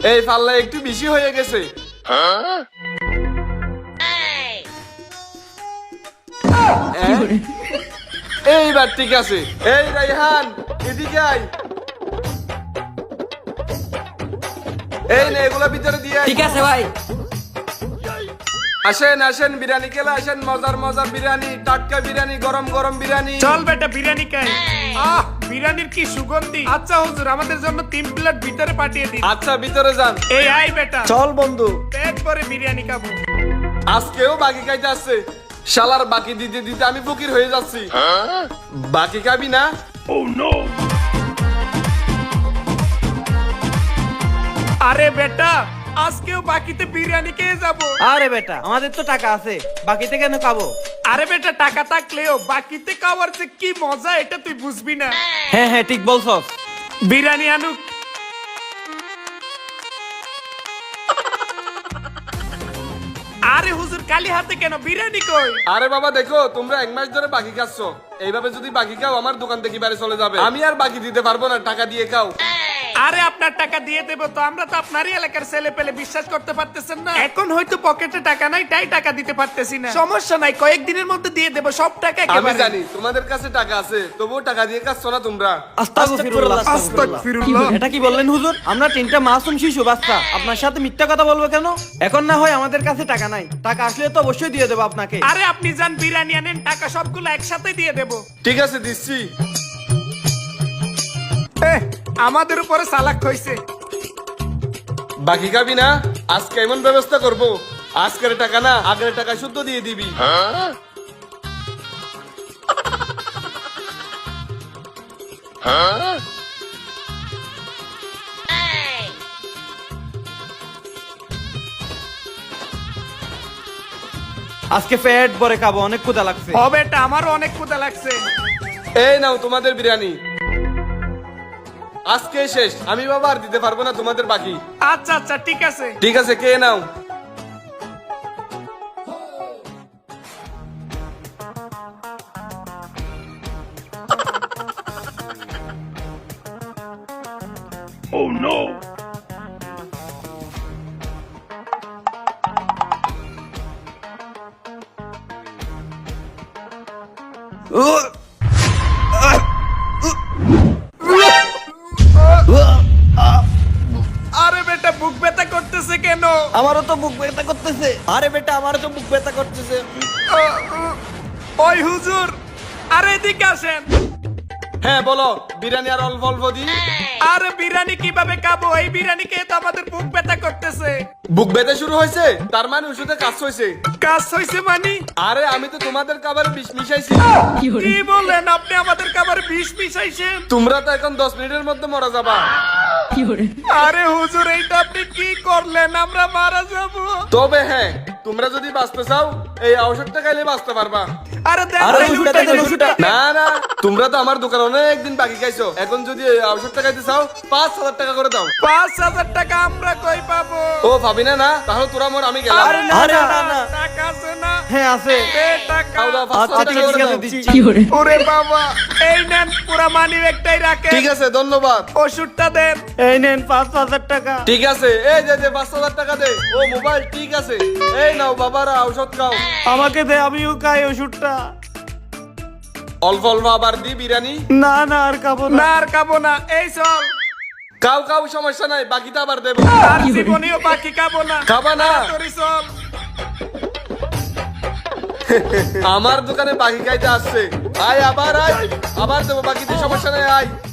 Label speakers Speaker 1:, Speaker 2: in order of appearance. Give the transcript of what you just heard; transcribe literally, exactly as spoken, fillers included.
Speaker 1: এই পাল্লা একটু বেশি হয়ে গেছে। এইবার ঠিক আছে। এই রাইহান এদিকে আয়। এই নে এগুলা ভিতরে দিয়ে আয়।
Speaker 2: ঠিক আছে ভাই।
Speaker 1: আসেন আসেন বিরিয়ানি খেলে আসেন, মজার মজার বিরিয়ানি, টাটকা বিরিয়ানি, গরম গরম বিরিয়ানি।
Speaker 3: চল বেটা বিরিয়ানি খাই। আহ বিরিয়ানির কি সুগন্ধি। আচ্ছা হুজুর আমাদের জন্য তিন প্লেট ভিতরে পাঠিয়ে দিন।
Speaker 1: আচ্ছা ভিতরে যান।
Speaker 3: এই আই বেটা
Speaker 2: চল বন্ধু।
Speaker 3: পেট ভরে বিরিয়ানি খাবো।
Speaker 1: আজকেও বাকি খাইতে আসছে। শালার বাকি দিতে দিতে আমি ফকির হয়ে যাচ্ছি। বাকি খাবি না?
Speaker 3: আরে বেটা আজকেও বাকিতে বিরিয়ানি খেয়ে যাবো।
Speaker 2: আরে বেটা আমাদের তো টাকা আছে, বাকিতে কেন খাবো?
Speaker 3: আরে বেটা টাকা থাকলেও বাকিতে খাওয়ার যে কি মজা এটা তুই বুঝবি না।
Speaker 2: হ্যাঁ হ্যাঁ ঠিক বলছস।
Speaker 3: বিরিয়ানি আনুক। আরে হুজুর কালি হাতে কেন, বিরিয়ানি কই?
Speaker 1: আরে বাবা দেখো তোমরা এক মাস ধরে বাকি খাচ্ছ, এইভাবে যদি বাকি খাও আমার দোকান থেকে বাইরে চলে যাবে। আমি আর বাকি দিতে পারবো না, টাকা দিয়ে খাও।
Speaker 3: আরে আপনার টাকা দিয়ে দেবো তো, আমরা তো আপনারই এলাকার ছেলে পেলে, বিশ্বাস করতে পারতেছেন না। এখন হয়তো পকেটে টাকা নাই তাই টাকা দিতে পারতেছি না, সমস্যা নাই কয়েকদিনের মধ্যে দিয়ে দেবো সব টাকা
Speaker 1: আমি
Speaker 3: একেবারে।
Speaker 1: জানি তোমাদের কাছে টাকা আছে, তবুও টাকা দিয়ে খাচ্ছ না তোমরা।
Speaker 2: আস্তাগফিরুল্লাহ।
Speaker 3: আস্তাগফিরুল্লাহ।
Speaker 2: এটা কি বললেন হুজুর? আমরা তিনটা মাসুম শিশু বাচ্চা, আপনার সাথে মিথ্যা কথা বলবো কেন? এখন না হয় আমাদের কাছে টাকা নাই, টাকা আসলে তো অবশ্যই দিয়ে দেবো আপনাকে।
Speaker 3: আরে আপনি যান বিরিয়ানি আনেন, টাকা সবগুলো একসাথে দিয়ে দেবো।
Speaker 1: ঠিক আছে দিচ্ছি।
Speaker 3: এহ, আমাদের উপরে সালাক হইছে।
Speaker 1: বাকি খাবি না? আজকে এমন ব্যবস্থা করব, আজকের টাকা না আগের টাকা শুদ্ধ দিয়ে দিবি।
Speaker 2: আজকে পেট ভরে খাবো, অনেক ক্ষুধা লাগছে।
Speaker 3: হবে এটা আমারও অনেক ক্ষুধা লাগছে।
Speaker 1: এই নাও তোমাদের বিরিয়ানি, আজকে শেষ। আমি বাবা আর দিতে পারবো না তোমাদের বাকি।
Speaker 3: আচ্ছা আচ্ছা ঠিক আছে।
Speaker 1: ঠিক আছে কে নাও।
Speaker 3: আরে বেটা বুক ব্যথা করতেছে কেন?
Speaker 2: আমারও তো বুক ব্যথা করতেছে। আরে বেটা আমারও তো বুক ব্যথা করতেছে।
Speaker 3: ওই হুজুর আরে এদিকে আসেন।
Speaker 1: হ্যাঁ বলো, বিরিয়ানি আর অল্প অল্প দি।
Speaker 3: আরে বিরিয়ানি কিভাবে খাবো? এই বিরিয়ানি খেয়ে তো আমাদের বুক ব্যথা করতেছে।
Speaker 1: বুক ব্যথা শুরু হয়েছে, তার মানে ওষুধে কাজ হয়েছে।
Speaker 3: কাজ হইছে মানে?
Speaker 1: আরে আমি তো তোমাদের খাবারে বিষ মিশাইছি।
Speaker 3: কি বলেন আপনি? আমাদের খাবারে বিষ মিশাইছেন?
Speaker 1: তোমরা তো এখন দশ মিনিটের মধ্যে মারা যাবা।
Speaker 3: আরে হুজুর এইটা আপনি কি করলেন? আমরা মারা যাব।
Speaker 1: তবে হ্যাঁ, তোমরা যদি বাঁচতে চাও এই ঔষধটা খাইলে বাঁচতে পারবা।
Speaker 3: আরে দেন
Speaker 2: আরে
Speaker 3: এই
Speaker 2: ওষুধটা
Speaker 3: ওষুধটা
Speaker 2: দেন,
Speaker 3: দেন,
Speaker 2: ওষুধটা।
Speaker 3: ওষুধটা।
Speaker 1: না না, তোমরা তো আমার দোকানে অনেকদিন বাকি খাইছো, এখন যদি এই ঔষধটা খাইতে চাও পাঁচ হাজার টাকা করে দাও।
Speaker 3: পাঁচ হাজার টাকা আমরা কই পাবো?
Speaker 1: ও ভাবি না না, তাহলে তোরা মোর আমি গেলাম।
Speaker 3: আরে না
Speaker 2: আরে
Speaker 3: না
Speaker 2: না, না।
Speaker 3: টাকা আছে না?
Speaker 2: হ্যাঁ আছে।
Speaker 3: এ টাকা।
Speaker 1: খাও দাও, পাঁচ
Speaker 2: আচ্ছা
Speaker 1: হাজার
Speaker 2: ঠিক
Speaker 1: টাকা
Speaker 2: আছে,
Speaker 1: করে
Speaker 2: ঠিক আছে,
Speaker 1: দাও।
Speaker 2: দিচ্ছি।
Speaker 3: ওরে বাবা, এই নেন পুরা মানি ব্যাগটাই রাখেন।
Speaker 1: ঠিক আছে ধন্যবাদ।
Speaker 3: ওষুধটা দেন।
Speaker 2: এই নেন পাঁচ হাজার টাকা।
Speaker 1: ঠিক আছে এই যে যে পাঁচ হাজার টাকা দে। ও মোবাইল ঠিক আছে, এই নাও বাবারা ঔষধ খাও।
Speaker 2: আমাকে দে, আমিও খাই ওষুধটা।
Speaker 1: অল্প অল্প আবার দি বিরিয়ানি।
Speaker 2: না না আর খাবো
Speaker 3: না
Speaker 2: না।
Speaker 3: আর খাবো না, এই চল।
Speaker 1: খাও খাও সমস্যা নাই, বাকিটা আবার দেবো।
Speaker 3: আর জীবনেও বাকি খাবো না।
Speaker 1: খাবা না?
Speaker 3: তাড়াতাড়ি চল।
Speaker 1: আমার দোকানে বাকি খাইতে আসছে, আয় আবার আয়, আবার দেবো বাকিতে, সমস্যা নাই আয়।